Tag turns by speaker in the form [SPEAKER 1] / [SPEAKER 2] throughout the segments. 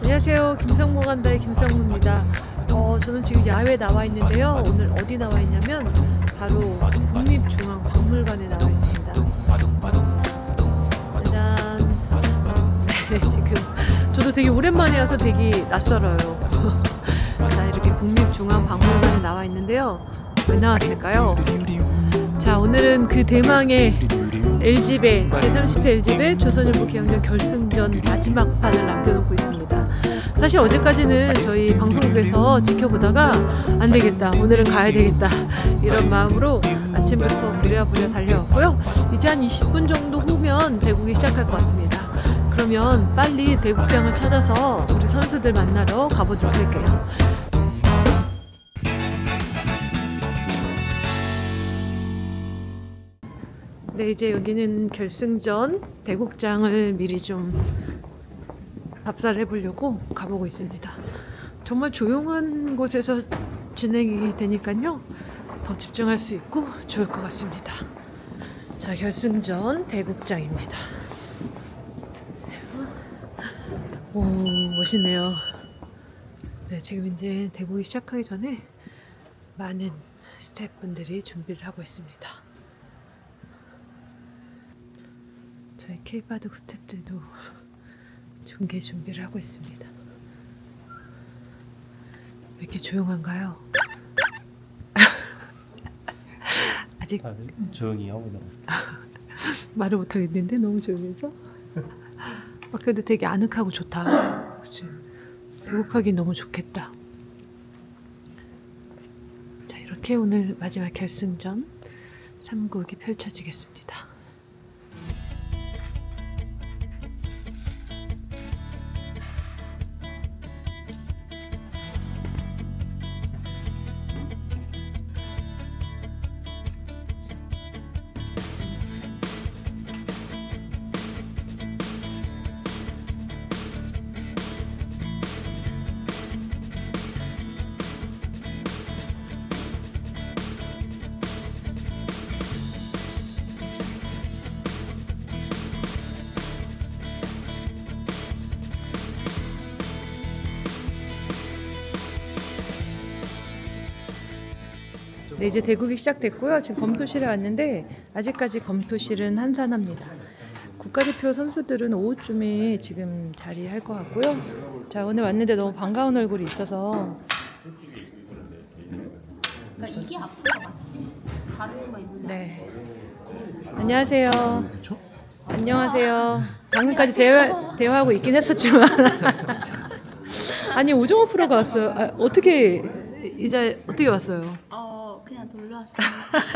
[SPEAKER 1] 안녕하세요. 김성모 간다의 김성모입니다. 저는 지금 야외에 나와 있는데요. 오늘 어디 나와 있냐면 바로 국립중앙박물관에 나와 있습니다. 짜잔. 네, 지금 저도 되게 오랜만에 와서 되게 낯설어요. 자, 이렇게 국립중앙박물관에 나와 있는데요. 왜 나왔을까요? 자, 오늘은 그 대망의 LG배 제30회 LG배 조선일보 기영전 결승전 마지막 판을 남겨놓고 있습니다. 사실 어제까지는 저희 방송국에서 지켜보다가 안 되겠다, 오늘은 가야 되겠다, 이런 마음으로 아침부터 부랴부랴 달려왔고요. 이제 한 20분 정도 후면 대국이 시작할 것 같습니다. 그러면 빨리 대국장을 찾아서 우리 선수들 만나러 가보도록 할게요. 네, 이제 여기는 결승전 대국장을 미리 좀 답사를 해보려고 가보고 있습니다. 정말 조용한 곳에서 진행이 되니까요, 더 집중할 수 있고 좋을 것 같습니다. 자, 결승전 대국장입니다. 오, 멋있네요. 네, 지금 이제 대국이 시작하기 전에 많은 스태프분들이 준비를 하고 있습니다. 저희 K바둑 스태프들도 중계 준비를 하고 있습니다. 왜 이렇게 조용한가요? 아직
[SPEAKER 2] 조용히 하고 있는
[SPEAKER 1] 말을 못하겠는데 너무 조용해서. 그래도 되게 아늑하고 좋다. 그치? 대국하기 너무 좋겠다. 자, 이렇게 오늘 마지막 결승전 3국이 펼쳐지겠습니다. 네, 이제 대국이 시작됐고요. 지금 검토실에 왔는데 아직까지 검토실은 한산합니다. 국가대표 선수들은 오후쯤에 지금 자리할 것 같고요. 자, 오늘 왔는데 너무 반가운 얼굴이 있어서.
[SPEAKER 3] 그러니까 이게 아픈 거 맞지? 다를 수가 있는데.
[SPEAKER 1] 네. 안녕하세요. 안녕하세요. 방금까지 대화하고 있긴 했었지만. 아니, 오정호 프로가 왔어요. 어떻게 왔어요?
[SPEAKER 3] 그냥 놀러 왔어요.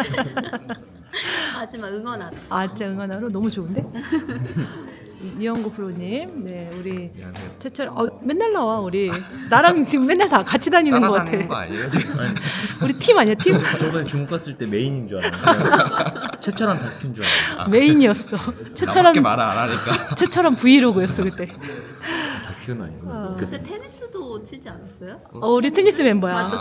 [SPEAKER 3] 마지막 응원하러.
[SPEAKER 1] 진짜 응원하러 너무 좋은데? 이영구 프로님, 네, 우리 최철, 맨날 나와. 우리 나랑 지금 맨날 다 같이 다니는 것 같아.
[SPEAKER 4] 따라다니는 거 아니에요 지금?
[SPEAKER 1] 우리 팀 아니야, 팀?
[SPEAKER 2] 저번에 중국 갔을 때 메인인 줄 알았는데 최철한 다큐인 줄 알았는데
[SPEAKER 1] 메인이었어.
[SPEAKER 4] 나밖에 말을 안 하니까.
[SPEAKER 1] 최철한 브이로그였어 그때.
[SPEAKER 2] 다큐는 아니고
[SPEAKER 3] 그때 테니스도 치지 않았어요?
[SPEAKER 1] 우리 테니스 멤버야.
[SPEAKER 3] 맞죠?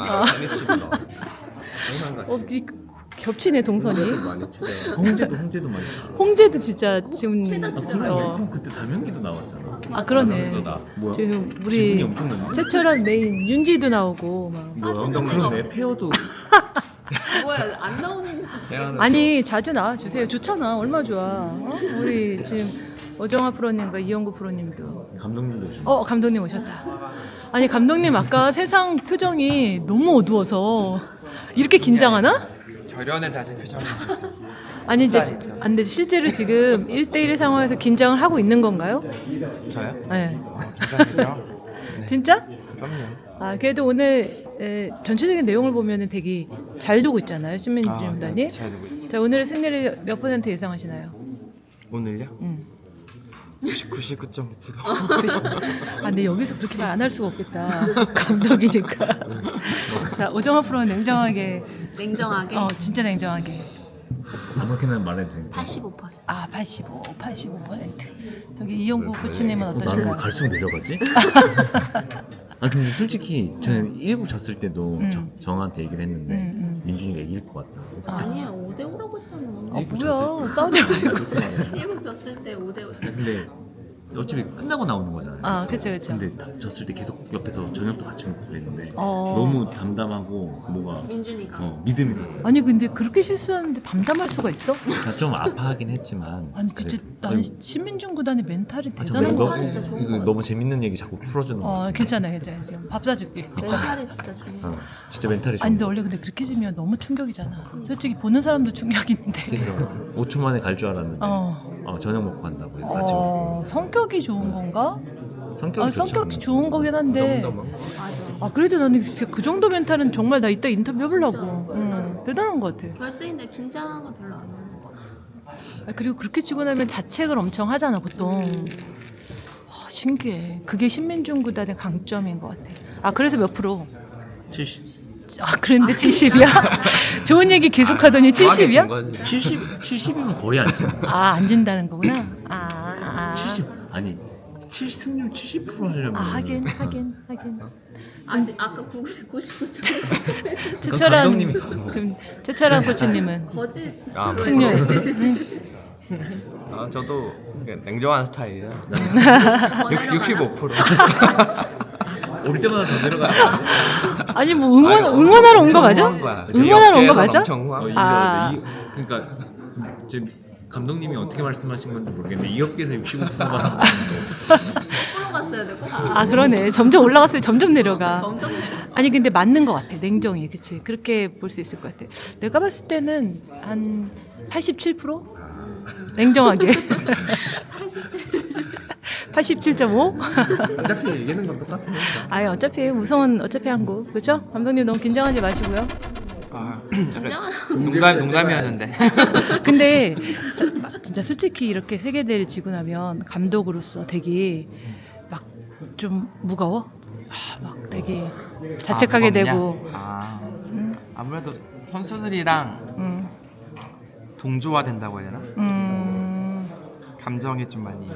[SPEAKER 1] 겹치네 동선이.
[SPEAKER 2] 많이 추대. 홍제도 많이 추대.
[SPEAKER 1] 홍제도 진짜 지금.
[SPEAKER 3] 최다 치는
[SPEAKER 1] 어.
[SPEAKER 2] 그때 달명기도 나왔잖아.
[SPEAKER 1] 그러네.
[SPEAKER 2] 나 뭐야?
[SPEAKER 1] 지금
[SPEAKER 2] 지분이
[SPEAKER 1] 우리
[SPEAKER 2] 엄청난데?
[SPEAKER 1] 최철한 메인 윤지도 나오고 막.
[SPEAKER 2] 뭐야?
[SPEAKER 3] 빠지는 데가
[SPEAKER 2] 그러네.
[SPEAKER 3] 없어.
[SPEAKER 2] 페어도
[SPEAKER 3] 뭐야, 안 나오는.
[SPEAKER 1] 아니, 자주 나와 주세요. 좋잖아. 얼마나 좋아. 우리 지금 오정아 프로님과 이영구 프로님도.
[SPEAKER 2] 감독님도 오셨네.
[SPEAKER 1] 감독님 오셨다. 아니, 감독님 아까 세상 표정이 너무 어두워서 이렇게 긴장하나?
[SPEAKER 4] 결연에 다진 표정이지.
[SPEAKER 1] 아니, 이제 안 돼. 실제로 지금 1대1 상황에서 긴장을 하고 있는 건가요?
[SPEAKER 4] 저요?
[SPEAKER 1] 네.
[SPEAKER 4] 괜찮겠죠? 네.
[SPEAKER 1] 진짜?
[SPEAKER 4] 그럼요.
[SPEAKER 1] 그래도 오늘 전체적인 내용을 보면은 되게 잘 두고 있잖아요, 신민준단이.
[SPEAKER 4] 네, 잘 되고 있어요.
[SPEAKER 1] 자, 오늘의 승리를 몇 %, 예상하시나요?
[SPEAKER 4] 오늘요? 99.9%.
[SPEAKER 1] 근데 여기서 그렇게 말 안 할 수가 없겠다. 감독이니까. 자, 오정아 프로는 냉정하게.
[SPEAKER 3] 냉정하게.
[SPEAKER 1] 진짜 냉정하게.
[SPEAKER 2] 아무렇게나 말해도 되니까.
[SPEAKER 3] 85%.
[SPEAKER 1] 85%. 저기 이영구 코치님은 어떠신가요?
[SPEAKER 2] 나는 갈수록 내려가지? 근데 솔직히 저는 1국 졌을 때도 정한테 얘기를 했는데 민준이가 이길 것 같다.
[SPEAKER 3] 아니야, 5대5라고 했잖아.
[SPEAKER 1] 뭐야, 싸우지 말고.
[SPEAKER 3] 일곱 졌을 때 5대5.
[SPEAKER 2] 근데 어차피 끝나고 나오는 거잖아요.
[SPEAKER 1] 아, 그쵸, 그쵸.
[SPEAKER 2] 근데 졌을 때 계속 옆에서 저녁도 같이 먹고 그랬는데
[SPEAKER 1] 어.
[SPEAKER 2] 너무 담담하고 뭐가
[SPEAKER 3] 민준이가
[SPEAKER 2] 믿음이 갔어.
[SPEAKER 1] 아니, 근데 그렇게 실수하는데 담담할 수가 있어?
[SPEAKER 2] 그러니까 좀 아파하긴 했지만.
[SPEAKER 1] 아니, 진짜 나는 신민중 구단의 멘탈이
[SPEAKER 2] 아,
[SPEAKER 1] 대단한 것
[SPEAKER 2] 너무,
[SPEAKER 1] 같아.
[SPEAKER 3] 진짜 좋은
[SPEAKER 2] 이거
[SPEAKER 3] 것
[SPEAKER 2] 너무 재밌는 얘기 자꾸 풀어주는 거 같아.
[SPEAKER 1] 괜찮아, 괜찮아. 지금 밥 사줄게.
[SPEAKER 3] 멘탈이 진짜 좋은 거.
[SPEAKER 2] 진짜 멘탈이 좋은
[SPEAKER 1] 아니, 근데
[SPEAKER 2] 거.
[SPEAKER 1] 원래 근데 그렇게 지면 너무 충격이잖아. 솔직히 보는 사람도 충격인데.
[SPEAKER 2] 그래서 5초 만에 갈 줄 알았는데 저녁 먹고 간다고 해서 같이 먹고.
[SPEAKER 1] 성격이 좋은 건가?
[SPEAKER 2] 성격이 좋죠.
[SPEAKER 1] 성격이 좋은 거긴 한데.
[SPEAKER 3] 맞아.
[SPEAKER 1] 그래도 나는 그 정도 멘탈은 정말 나 이따 인터뷰 해보려고. 대단한 것 같아.
[SPEAKER 3] 결승인데 긴장을 별로 안 하는 거 같아.
[SPEAKER 1] 그리고 그렇게 치고 나면 자책을 엄청 하잖아 보통. 신기해. 그게 신민중 구단의 강점인 것 같아. 그래서 몇 프로?
[SPEAKER 2] 70.
[SPEAKER 1] 그런데 70이야? 좋은 얘기 계속 하더니 70이야?
[SPEAKER 2] 70이면 거의 안 치.
[SPEAKER 1] 안 진다는 거구나.
[SPEAKER 2] 70 아니 승률 70% 하려면.
[SPEAKER 1] 하긴.
[SPEAKER 3] 아까 99점
[SPEAKER 1] 최철한
[SPEAKER 2] 감독님이
[SPEAKER 1] 최철한 코치님은
[SPEAKER 3] 거짓
[SPEAKER 1] 승률.
[SPEAKER 4] 저도 냉정한 스타일이라
[SPEAKER 3] 권하려고
[SPEAKER 4] 65%.
[SPEAKER 2] 올 때마다 더 내려가요.
[SPEAKER 1] 아니 뭐 응원하러 온 거 맞아? 응원하러 온 거 맞아?
[SPEAKER 2] 그러니까 지금 감독님이 어떻게 말씀하신 건지 모르겠는데 이 업계에서 65%가
[SPEAKER 3] 거꾸로 갔어야 되고
[SPEAKER 1] 그러네. 점점 올라갔어요. 점점 내려가.
[SPEAKER 3] 점점 내려.
[SPEAKER 1] 아니 근데 맞는 것 같아. 냉정히 그치. 그렇게 볼 수 있을 것 같아. 내가 봤을 때는 한 87%? 냉정하게 87.5?
[SPEAKER 4] 어차피 이기는 건 똑같으니까.
[SPEAKER 1] 어차피 우승은 어차피 한국 그렇죠? 감독님 너무 긴장하지 마시고요.
[SPEAKER 4] 농담이었는데.
[SPEAKER 1] 근데 진짜 솔직히 이렇게 세계대회를 지고 나면 감독으로서 되게 막 좀 무거워? 막 되게 자책하게 되고.
[SPEAKER 4] 아무래도 선수들이랑 동조화 된다고 해야 되나? 감정이 좀 많이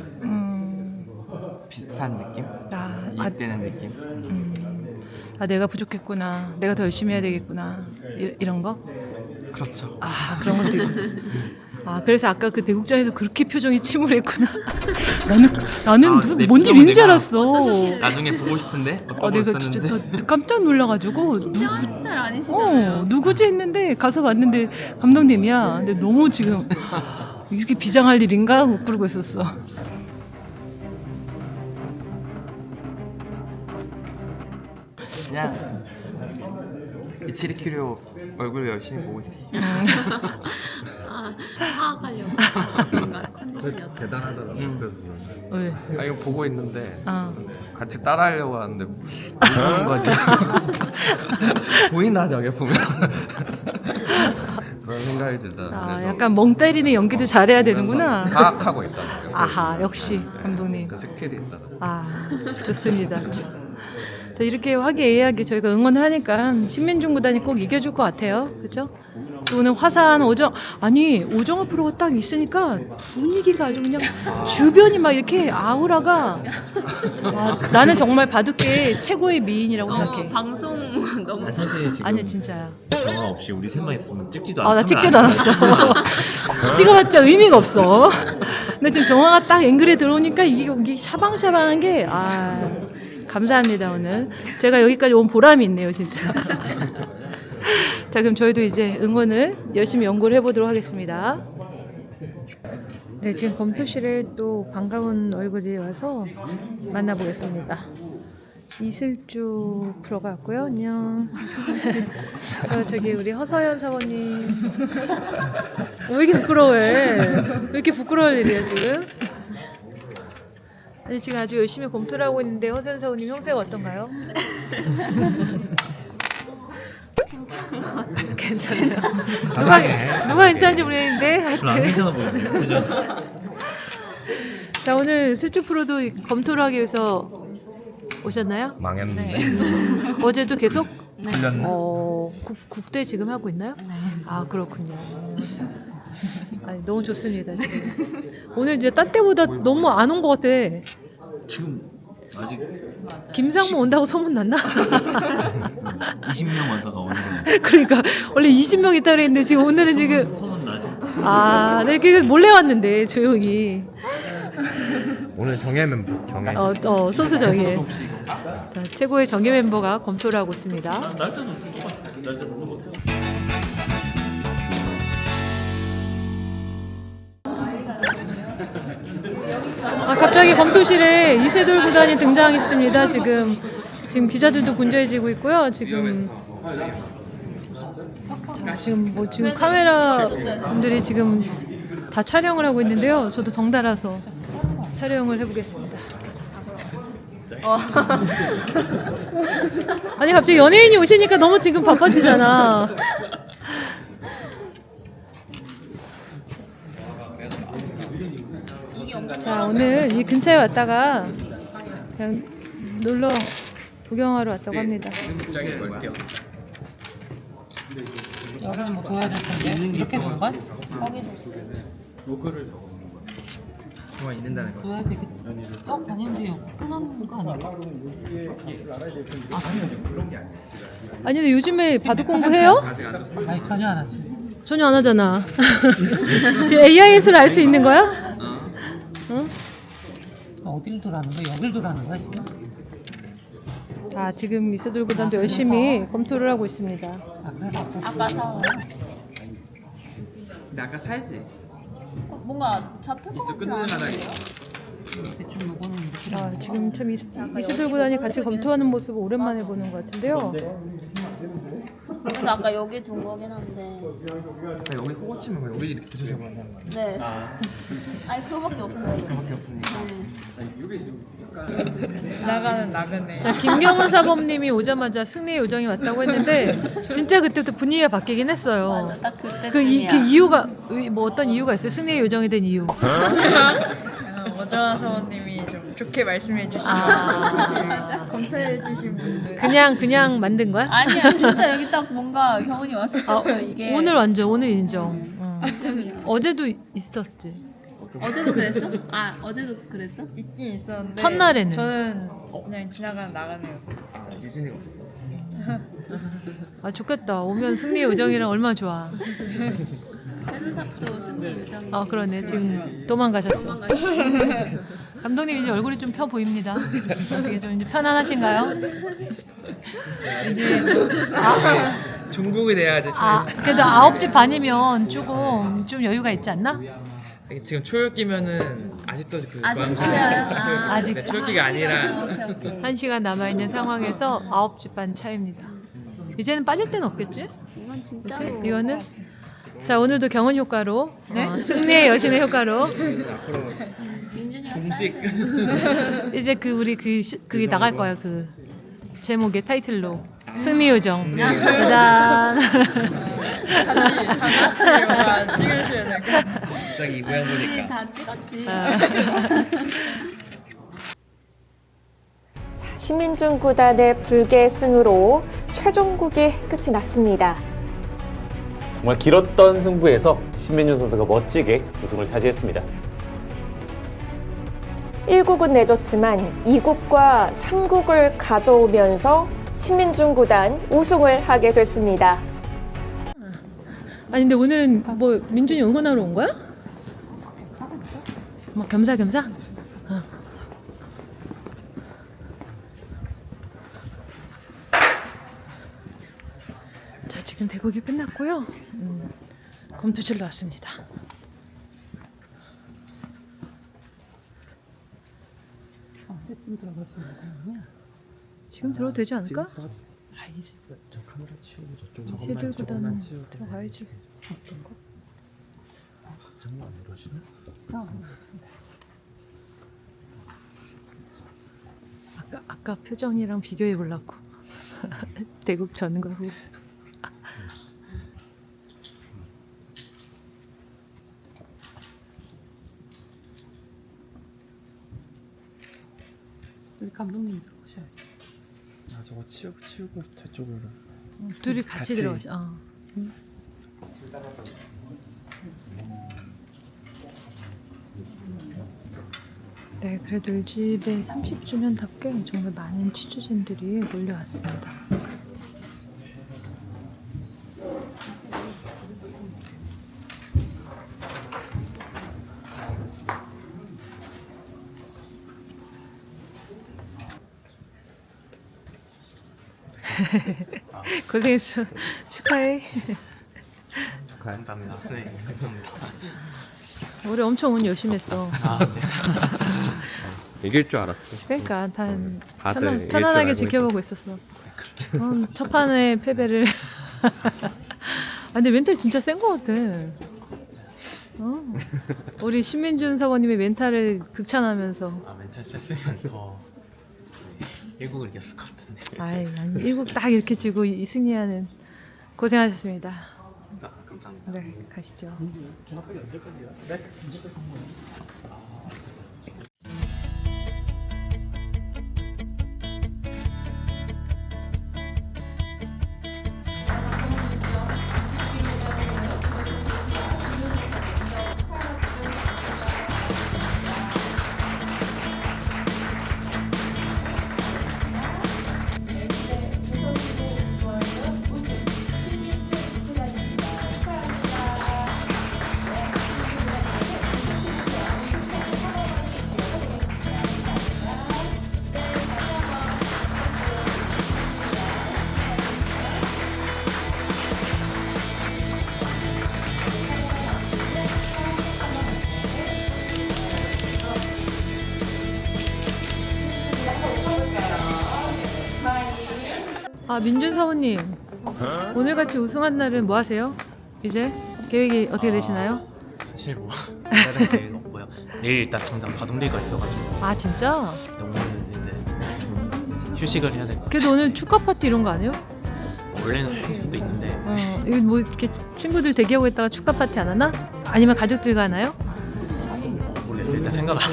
[SPEAKER 4] 비슷한 느낌? 이입되는 느낌?
[SPEAKER 1] 내가 부족했구나. 내가 더 열심히 해야 되겠구나. 이런 거?
[SPEAKER 4] 그렇죠.
[SPEAKER 1] 그런 것도 있고. 그래서 아까 그 대국장에서 그렇게 표정이 침울했구나. 나는 무슨
[SPEAKER 4] 내
[SPEAKER 1] 뭔
[SPEAKER 4] 표정은
[SPEAKER 1] 일인 줄
[SPEAKER 4] 내가
[SPEAKER 1] 알았어.
[SPEAKER 4] 나중에 보고 싶은데 어떤 걸
[SPEAKER 1] 내가 진짜
[SPEAKER 4] 썼는지.
[SPEAKER 1] 더 깜짝 놀라가지고
[SPEAKER 3] 긴장하는 스타일 아니시잖아요.
[SPEAKER 1] 누구지 했는데 가서 봤는데 감독님이야. 근데 너무 지금 이렇게 비장할 일인가 그러고 있었어.
[SPEAKER 4] 그냥 이치리키료 얼굴 열심히 보고 있었어.
[SPEAKER 3] 파악하려고 뭔가 컨디션이었다.
[SPEAKER 4] 대단하더라고.
[SPEAKER 1] 왜?
[SPEAKER 4] 이거 보고 있는데 같이 따라하려고 하는데 무슨 거지? 보이나 저게 보면 그런 생각이 들다.
[SPEAKER 1] 약간 멍 때리는 연기도 잘해야 되는구나.
[SPEAKER 4] 파악하고 있다.
[SPEAKER 1] 역시 감독님.
[SPEAKER 4] 그 스킬이 있다.
[SPEAKER 1] 좋습니다. 자, 이렇게 화기애애하게 저희가 응원을 하니까 신민중 구단이 꼭 이겨줄 것 같아요. 그렇죠? 또 오늘 화사한 오정아 프로가 딱 있으니까 분위기가 아주 그냥 주변이 막 이렇게 아우라가 나는 정말 바둑계 최고의 미인이라고 생각해.
[SPEAKER 3] 방송 너무
[SPEAKER 2] 사실 지금
[SPEAKER 1] 아니 진짜야.
[SPEAKER 2] 정화 없이 우리 셋만 있으면 찍지도 않았어.
[SPEAKER 1] 나 찍지도 않았어. 찍어봤자 의미가 없어. 근데 지금 정화가 딱 앵글에 들어오니까 이게 샤방샤방한 게 감사합니다. 오늘 제가 여기까지 온 보람이 있네요 진짜. 자, 그럼 저희도 이제 응원을 열심히 연구를 해보도록 하겠습니다. 네, 지금 검토실에 또 반가운 얼굴이 와서 만나보겠습니다. 이슬주 프로가 왔고요. 안녕. 저기 우리 허서연 사모님. 왜 이렇게 부끄러워해? 왜 이렇게 부끄러울 일이야 지금? 아니 지금 아주 열심히 검토를 하고 있는데 허서연 사모님 형세가 어떤가요? 괜찮아요. 누가 괜찮은지 모르겠는데
[SPEAKER 2] 별로 안 괜찮아 보이네. 그죠?
[SPEAKER 1] 자, 오늘 슬주 프로도 검토를 하기 위해서 오셨나요?
[SPEAKER 4] 망했는데.
[SPEAKER 1] 어제도 계속?
[SPEAKER 4] 풀렸네.
[SPEAKER 1] 국대 지금 하고 있나요? 네. 그렇군요. 너무 좋습니다. 지금. 오늘 이제 딴 때보다 너무 안 온 것 같아.
[SPEAKER 2] 지금 아직
[SPEAKER 1] 김상무 온다고 소문 났나?
[SPEAKER 2] 20명 왔다가 오늘은
[SPEAKER 1] 그러니까 원래 20명 있다 그랬는데 지금 오늘은 지금
[SPEAKER 2] 소문 나지.
[SPEAKER 1] 네, 몰래 왔는데 조용히.
[SPEAKER 4] 오늘 정예 멤버 정예.
[SPEAKER 1] 소수 정예. 자, 최고의 정예 멤버가 검토를 하고 있습니다.
[SPEAKER 2] 날짜도 똑같아. 날짜도 똑같아.
[SPEAKER 1] 갑자기 검토실에 이세돌 구단이 등장했습니다. 지금 기자들도 분주해지고 있고요. 지금 지금 카메라 분들이 지금 다 촬영을 하고 있는데요. 저도 덩달아서 촬영을 해보겠습니다. 아니 갑자기 연예인이 오시니까 너무 지금 바빠지잖아. 자, 오늘 이 근처에 왔다가 그냥 놀러 구경하러 왔다고 합니다.
[SPEAKER 5] 여기는 뭐 보여줄 텐데 이렇게 본 거야?
[SPEAKER 4] 정말 있는다는 거.
[SPEAKER 5] 보여야 되겠지. 아닌데 끊은 거 아닌가?
[SPEAKER 1] 아니 근데 요즘에 바둑 공부해요?
[SPEAKER 5] 아니 전혀 안 하지.
[SPEAKER 1] 전혀 안 하잖아. 지금 AIS를 알 수 있는 거야? 응?
[SPEAKER 5] 어딜 돌아는 거야? 여길 돌아는 거야 지금?
[SPEAKER 1] 자, 지금 이세돌 구단도 열심히 검토를 하고 있습니다.
[SPEAKER 5] 아 그래?
[SPEAKER 3] 아까 사
[SPEAKER 4] 근데 아까 살지.
[SPEAKER 3] 뭔가 잡힐 것 같지 않아요?
[SPEAKER 5] 대충 요거는 이렇게
[SPEAKER 1] 지금 참 이세돌 구단이 같이 검토하는 모습을 오랜만에 보는 것 같은데요.
[SPEAKER 3] 그래서 아까 여기 둔 거긴 한데.
[SPEAKER 4] 여기 호구 치는 거 여기 이렇게 붙여서 하는 거.
[SPEAKER 3] 네. 아니 그거밖에 없어요.
[SPEAKER 4] 그밖에 없으니까.
[SPEAKER 3] 네.
[SPEAKER 6] 지나가는 나그네.
[SPEAKER 1] 자, 김경훈 사범님이 오자마자 승리의 요정이 왔다고 했는데 진짜 그때부터 분위기가 바뀌긴 했어요.
[SPEAKER 3] 맞아, 딱
[SPEAKER 1] 그
[SPEAKER 3] 그때쯤이야.
[SPEAKER 1] 이유가 뭐 어떤 이유가 있어요? 승리의 요정이 된 이유.
[SPEAKER 6] 오정환 사원님이 좀 좋게 말씀해 주시고 검토해 주신 분들.
[SPEAKER 1] 그냥 만든 거야?
[SPEAKER 3] 아니야 진짜 여기 딱 뭔가 경훈이 왔을 때부터 이게
[SPEAKER 1] 오늘 완전 오늘 인정. 어제도 있었지.
[SPEAKER 3] 어제도 그랬어? 아 어제도 그랬어?
[SPEAKER 6] 있긴 있었는데
[SPEAKER 1] 첫날에는?
[SPEAKER 6] 저는 그냥 지나가는 나그네였어요. 진짜.
[SPEAKER 4] 유진이가 없었어.
[SPEAKER 1] 좋겠다. 오면 승리의 요정이랑 얼마나 좋아.
[SPEAKER 3] 센스삽도 승리 요정이.
[SPEAKER 1] 그러네. 지금 도망가셨어. 감독님 이제 얼굴이 좀 펴 보입니다. 어떻게 좀 이제 편안하신가요? 이제
[SPEAKER 4] 중국이 돼야지.
[SPEAKER 1] 그래도 9시 반이면 조금 좀 여유가 있지 않나?
[SPEAKER 4] 지금 초읽기면은 아직도 그
[SPEAKER 3] 아직
[SPEAKER 4] 고양시-
[SPEAKER 3] 초여요?
[SPEAKER 1] 아직
[SPEAKER 4] 네, 초읽기가 아니라
[SPEAKER 3] 오케이.
[SPEAKER 1] 1시간 남아있는 상황에서 9시 반 차입니다. 이제는 빠질 데는 없겠지?
[SPEAKER 3] 이건
[SPEAKER 1] 그치?
[SPEAKER 3] 진짜로.
[SPEAKER 1] 이거는 자, 오늘도 경원 효과로 승리의 여신의 효과로
[SPEAKER 3] 민준이가
[SPEAKER 4] 공식
[SPEAKER 1] 이제 우리 그게 나갈 거야. 그 제목의 타이틀로 승리 요정. 짜잔.
[SPEAKER 6] 같이 영화 찍으셔야 될 것 같아요.
[SPEAKER 4] 갑자기 이 모양 보니까
[SPEAKER 3] 다 찍었지.
[SPEAKER 7] 심민준 구단의 불계승으로 최종국이 끝이 났습니다.
[SPEAKER 8] 정말 길었던 승부에서 신민준 선수가 멋지게 우승을 차지했습니다.
[SPEAKER 7] 1국은 내줬지만 2국과 3국을 가져오면서 신민준 구단 우승을 하게 됐습니다.
[SPEAKER 1] 아니 근데 오늘은 뭐 민준이 응원하러 온 거야? 뭐 겸사겸사? 자, 지금 대국이 끝났고요. 검투실로 왔습니다.
[SPEAKER 5] 언제쯤 들어갔으면 다행이야.
[SPEAKER 1] 지금 들어도 되지 않을까? 이제
[SPEAKER 4] 저 카메라 치우고 저쪽
[SPEAKER 1] 이세돌 구단은 들어가야지.
[SPEAKER 4] 장난 안 이러시네?
[SPEAKER 1] 아까 표정이랑 비교해 보려고. 대국 전과 후. 우리 감독님 들어오셔야지.
[SPEAKER 4] 저거 치우고 저쪽으로.
[SPEAKER 1] 둘이 같이 들어오셔. 네, 그래도 일집의 30주년답게 정말 많은 취재진들이 몰려왔습니다. 고생했어. 축하해.
[SPEAKER 9] 감사합니다. 네, 감사합니다.
[SPEAKER 1] 올해 엄청 운 열심히 했어.
[SPEAKER 9] 아, 네.
[SPEAKER 4] 이길 줄 알았어.
[SPEAKER 1] 그러니까
[SPEAKER 4] 다들 이길 줄
[SPEAKER 1] 편안하게
[SPEAKER 4] 알고
[SPEAKER 1] 지켜보고 있었어. 첫 판에 패배를. 아, 근데 멘탈 진짜 센 거 같아. 우리 신민준 사모님의 멘탈을 극찬하면서.
[SPEAKER 9] 아, 멘탈 셌으면 더 일국을 이겼을 것 같은데.
[SPEAKER 1] 아이, 아니, 일국 딱 이렇게 지고 이 승리하는 고생하셨습니다.
[SPEAKER 9] 아, 감사합니다.
[SPEAKER 1] 네, 가시죠. 아, 민준 사모님, 오늘같이 우승한 날은 뭐 하세요? 이제 계획이 어떻게 되시나요?
[SPEAKER 9] 사실 뭐 다른 계획 없고요. 내일 일단 당장 바둑리가 있어가지고
[SPEAKER 1] 아, 진짜?
[SPEAKER 9] 오늘 이제 좀 휴식을 해야 될 것 같아요.
[SPEAKER 1] 그래도 오늘 축하 파티 이런 거 안 해요?
[SPEAKER 9] 원래는 할 수도 있는데
[SPEAKER 1] 이거 뭐 이렇게 친구들 대기하고 있다가 축하 파티 안 하나? 아니면 가족들과 하나요?
[SPEAKER 9] 모르겠어요. 일단 생각 안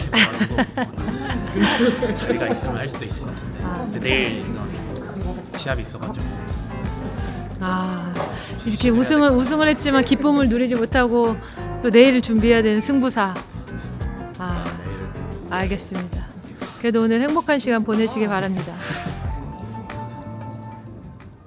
[SPEAKER 9] 해봐가지고 자리가 있으면 할 수도 있을 것 같은데 근데 내일 시합이 있어가지고
[SPEAKER 1] 아, 이렇게 우승을 했지만 기쁨을 누리지 못하고 또 내일을 준비해야 되는 승부사. 아, 알겠습니다. 그래도 오늘 행복한 시간 보내시길 바랍니다.